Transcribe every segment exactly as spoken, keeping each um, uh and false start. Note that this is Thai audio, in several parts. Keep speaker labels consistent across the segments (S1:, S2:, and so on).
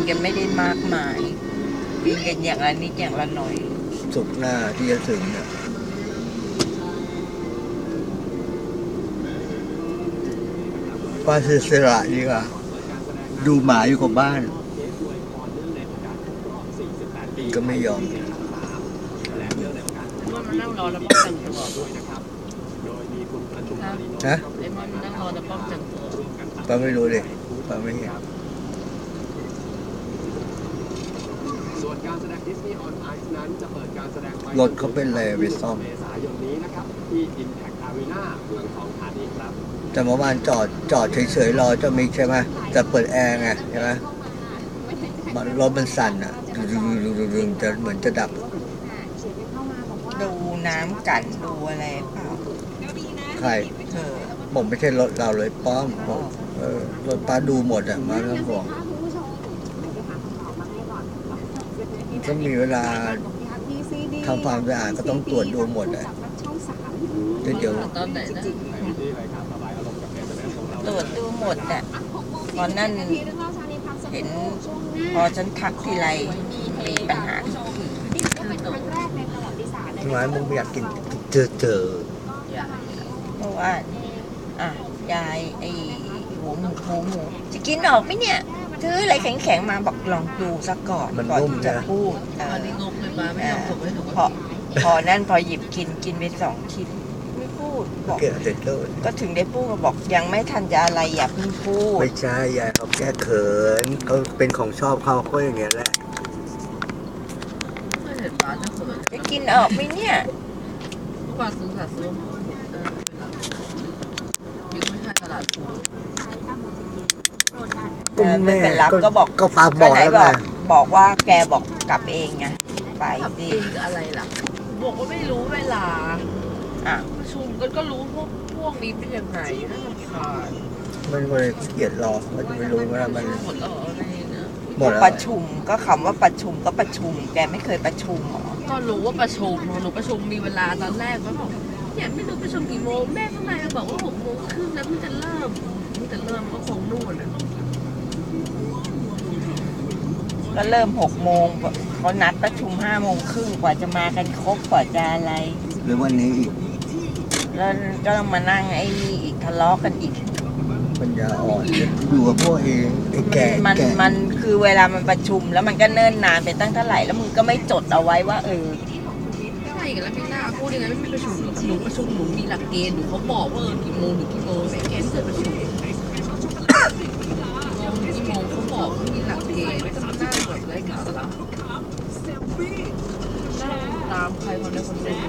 S1: กันไม่ได้มากมายบินกันอย่างละนิดอย่างละหน่อย
S2: สุกหน้าที่จะถึงเนี่ยป้าเสียสละดีกว่าดูหมาอยู่กับบ้านก็ไม่ยอม
S1: ว่ามันนั่งรอแล้วป้องกันตัว
S2: ฮะ
S1: ไอ้มันนั่งรอแล้วป้องกันตัว
S2: ป้าไม่รู้เลยป้าไม่เห็น
S3: ส่วนการแสดงดิสนีย์ออนไอซ์นั้นจะเปิดการแสดง
S2: รถเขาเป็นอะไรไปซ่อม
S3: เมษายนนี้นะครับที่ Impact Arena เมืองทองธานีครับ
S2: แต่เมื่อวานจอดจอดเฉยๆรอเจ้ามิกใช่ไหมแต่เปิดแอร์ไงใช่ไหมมันรถมันสั่นอ่ะดึงๆจะเหมือนจะดับ
S1: ดูน้ำกันดูอะไรเปล่า
S2: ใคร
S1: เธอ
S2: ผมไม่ใช่รถเราเลยป้อมเออรถป้าดูหมดอ่ะมาเรื่องของก็มีเวลาทำความสะอาดก็ต้องตรวจดูหมดอ่ะเดี๋ยว
S1: ตอนไหนนะตรวจดูหมดอ่ะตอนนั้นเห็นพอฉันทักทีไรมีปัญหา
S2: ทำไมมึงไม่อยากกินเจอเจอ
S1: เพราะว่าอ่ะยายไอ้หัวหมูหัวหมูจะกินออกไหมเนี่ยซื้ออะไรแข็งๆมาบอกลองดูซะก่อนก่อนที่จะพูดเออพอพอนั่นพอหยิบกินกินไปสองชิ้นไม่พูดบอกก็ถึงได้พูดก็บอกยังไม่ทันจะอะไรอย่าเพิ่งพูด
S2: ไม่ใช่ยายเขาแก้เขินเขาเป็นของชอบเขาเขาอย่างเงี้ยแหละ
S1: จะกินออกไหมเนี่ย
S4: กว่าซื้อค่ะซื้อยังไม่ใช่ตลาดซื้อ
S1: เออไม่เป็นรับก็บอก
S2: ก็ฝากบอกแล้วไง
S1: บอกว่าแกบอกกลับเองไงไป
S4: ดิอะไรล่ะบอกว่าไม่รู้เวลา
S1: อ่ะ
S4: ประชุมกันก็รู้พวกพวกนี้เป็นยังไงน่ารำคาญ
S2: มันเลยเกลียดรอมันจะไม่รู้ว่ามัน
S4: หมดแล้วอะไรนะ
S1: หมดประชุมก็คำว่าประชุมก็ประชุมแกไม่เคยประชุมหรอ
S4: ก็รู้ว่าประชุมหนูประชุมมีเวลาตอนแรกก็บอกเนี่ยไม่รู้ประชุมกี่โมงแม่ข้างในบอกว่าหกโมงครึ่งแล้วมันจะเริ่มมันจะเริ่มก็คงนู่นนะ
S1: ก็เริ่มหกโมงเขานัดประชุมห้าโมงครึ่งกว่าจะมากันครบกว่าจะอะไร
S2: หรือวันนี้อีก
S1: แล้วก็ต้องมานั่งไอ้นี่อีกทะเลาะกันอีก
S2: ปัญญาอ่อนอยู่กับพวกเองไอ้แก่
S1: มันมันคือเวลามันประชุมแล้วมันก็เนิ่นนานไปตั้งเท่าไหร่แล้วมึงก็ไม่จดเอาไว้ว่าเออ
S4: ใช่แล้วพี่นาพูดยังไงไม่มีประชุมหนูประชุมหนูมีหลักเกณฑ์หนูเขาบอกว่ากี่โมงหรือกี่โมงไม่แกนเกิดประชุมกี่โมงเขาบอกว่ามีหลักเกณฑ์ไม่ต้องหน้าแบบไร้สาระตามใครคนใดคนหนึ่ง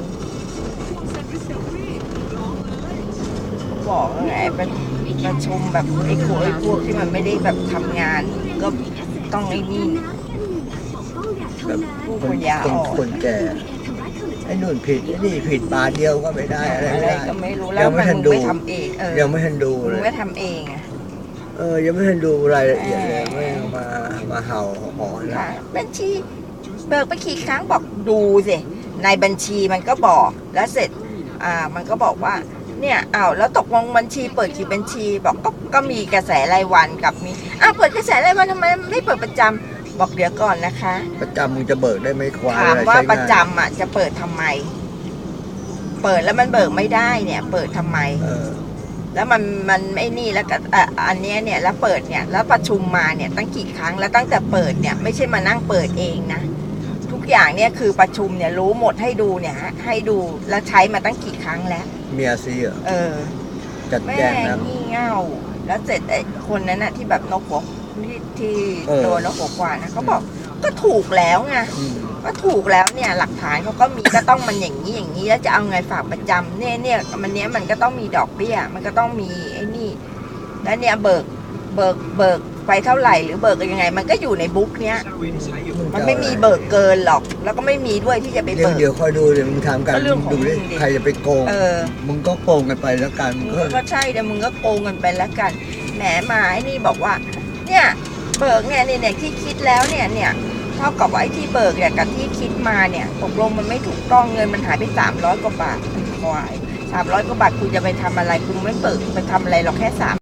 S1: บอกไงเป็นประชุมแบบไอ้พวกไอ้พวกที่มันไม่ได้แบบทำงานก็ต้องไอ้นี่
S2: แบบผู้คนยาอ่อนคนแก่ไอ้นู่นผิดไอ้นี่ผิดบาทเดียวก็ไม่ได้อะไรไม่ได้
S1: ก็ไม่รู้แล้วมันไม่ทำเองเออ
S2: ยังไม่ทันดูเลย
S1: ไม่ทำเองอ่ะ
S2: เออยังไม่ทันดูรายละเอียดเลยไม่มามาเห่าหอน
S1: นะบัญชีเบิกไปกี่ครั้งบอกดูสิในบัญชีมันก็บอกแล้วเสร็จอ่ามันก็บอกว่าเนี่ยอ้าวแล้วตกลงบัญชีเปิดกี่บัญชีบอกก็ก็มีกระแสรายวันกับมีอ้าวเปิดกระแสรายวันทำไมไม่เปิดประจำบอกเดี๋ยวก่อนนะคะ
S2: ประจำมึงจะเบิกได้ไหมควาย
S1: ถามว่าประจำอ่ะจะเปิดทำไมเปิดแล้วมันเบิกไม่ได้เนี่ยเปิดทำไมแล้วมันมันไม่นี่แล้วก็อันนี้เนี่ยแล้วเปิดเนี่ยแล้วประชุมมาเนี่ยตั้งกี่ครั้งแล้วตั้งแต่เปิดเนี่ยไม่ใช่มานั่งเปิดเองนะทุกอย่างเนี่ยคือประชุมเนี่ยรู้หมดให้ดูเนี่ยให้ดูแล้วใช้มาตั้งกี่ครั้งแล้ว
S2: เมียซีอ่ะ
S1: เออ
S2: จัดแจงนะ
S1: งี่เง่าแล้วเสร็จไอ้คนนั้นน่ะที่แบบนกหัวที่ที่โดนนกหัวกวาดนะเขาบอกก็ถูกแล้วไงก็ถูกแล้วเนี่ยหลักฐานเขาก็มีก็ต้องมันอย่างนี้อย่างนี้แล้วจะเอาไงฝากประจำเนี่ยเนี่ยมันเนี้ยมันก็ต้องมีดอกเบี้ยมันก็ต้องมีไอ้นี่แล้วเนี่ยเบิกเบิกเบิกไปเท่าไหร่หรือเบิกยังไงมันก็อยู่ในบุ๊กเนี้ยมันไม่มีเบิกเกินหรอกแล้วก็ไม่มีด้วยที่จะไปเบิก
S2: เดี๋ยวคอยดูเดี๋ยวมึงทำกันดูดิใครจะไปโกงมึงก็โกงกันไปแล้วกัน
S1: ก็ใช่เดี๋ยวมึงก็โกงกันไปแล้วกันแหมมาไอ้นี่บอกว่าเนี่ยเบิกเนี่ยเนี่ยที่คิดแล้วเนี่ยเนี่ยเท่ากับว่าไอ้ที่เบิกเนี่ยกับที่คิดมาเนี่ยตกลงมันไม่ถูกต้องเงินมันหายไปสามร้อยกว่าบาทควายสามร้อยกว่าบาทคุณจะไปทำอะไรคุณไม่เบิกไปทำอะไรหรอกแค่สาม